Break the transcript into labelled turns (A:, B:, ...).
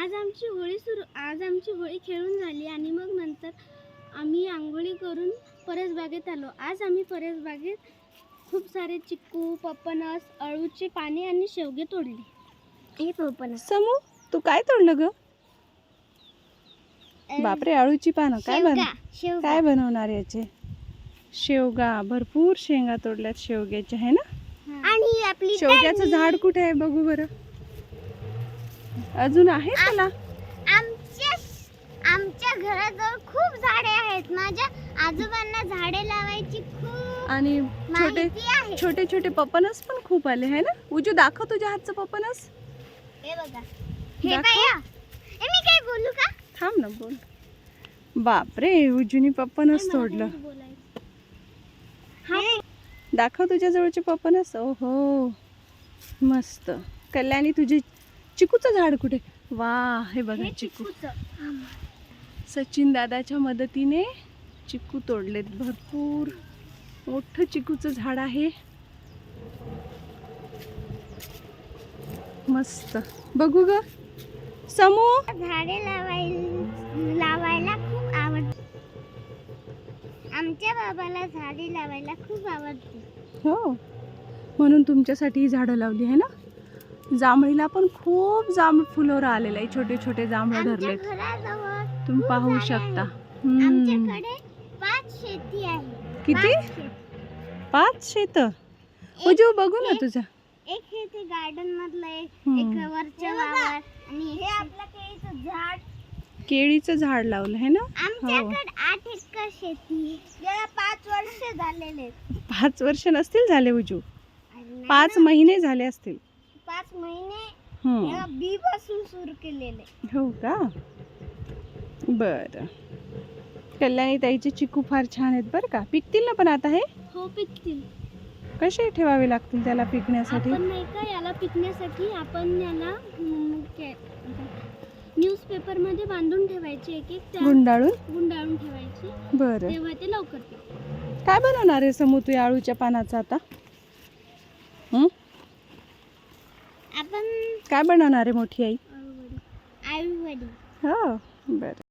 A: आज आमची होळी खेळून झाली आणि मग नंतर आम्ही आंघोळी करून परसबागेत आलो. आज आम्ही परसबागेत खूप सारे चिक्कू, पपनस, अळूचे पाने आणि शेवगे तोडले. हे पपनस.
B: समू, तू काय तोडलं ग? बापरे, अळूची पानं. काय बनवणार याचे? शेवगा. भरपूर शेंगा तोडल्यात शेवग्याच्या, आहे ना?
A: आणि आपली
B: शेवग्याचं झाड कुठे आहे बघू बरं. अजून आहे त्याला?
A: आमच्या घराजवळ खूप झाडे आहेत. माझ्या आजोबांना झाडे लावायची खूप
B: आणि छोटे छोटे पपनस पण खूप आले, आहे ना? उजू, दाखव तुझ्या हातचं पपनस.
A: हे बघा. हे बघा. मी काय बोलू का?
B: थांब ना, बोल. बापरे, उजूनी पपनस तोडलं. दाखव तुझ्या जवळचे पपनस. ओहो, मस्त. कल्याणी, तुझे चिकूचं झाड कुठे? वा, हे बघा चिकू. सचिन दादाच्या मदतीने चिकू तोडलेत. भरपूर मोठं चिकूचं झाड आहे. मस्त. बघू ग समू.
A: झाडे लावायला खूप आवडते. आमच्या बाबाला झाडे लावायला खूप आवडते.
B: हो, म्हणून तुमच्यासाठी ही झाडं लावली आहे ना. जांभळीला पण खूप जांभळ फुलोर आलेलं आहे. छोटे छोटे जांभळं धरलेत, तुम्ही पाहू शकता.
A: आमच्याकडे 5 शेती आहे.
B: किती? 5 शेत. उजू, बघू ना तुझं.
A: एक हे गार्डन मधलं एक वरच्या वावर आणि हे आपलं केळीचं झाड.
B: केळीचं झाड लावलं आहे ना.
A: आमच्याकडे 8 एकर शेती. याला 5 वर्ष झालेले.
B: 5 वर्ष नसतील झाले उजू, 5 महिने झाले असतील.
A: 5 महिने याला बी पासून सुरू केलेले.
B: हो का? बरं. कल्याणी ताईचे चिकू फार छान आहेत बरं का. पिकतील ना पण आता हे?
A: हो, पिकतील.
B: कसे ठेवावे लागतील त्याला पिकण्यासाठी?
A: आपण नाही का, याला पिकण्यासाठी आपण याला न्यूजपेपर मध्ये बांधून ठेवायचे. एक गुंडाळून ठेवायचे.
B: बरं.
A: तेव्हा ते लवकर पिकतील.
B: काय बनवणार आहे समू तू आळूच्या पानाचा आता?
A: आपण
B: काय बनवणार आहे मोठी आई?
A: आळूवडी.
B: हो, बरं.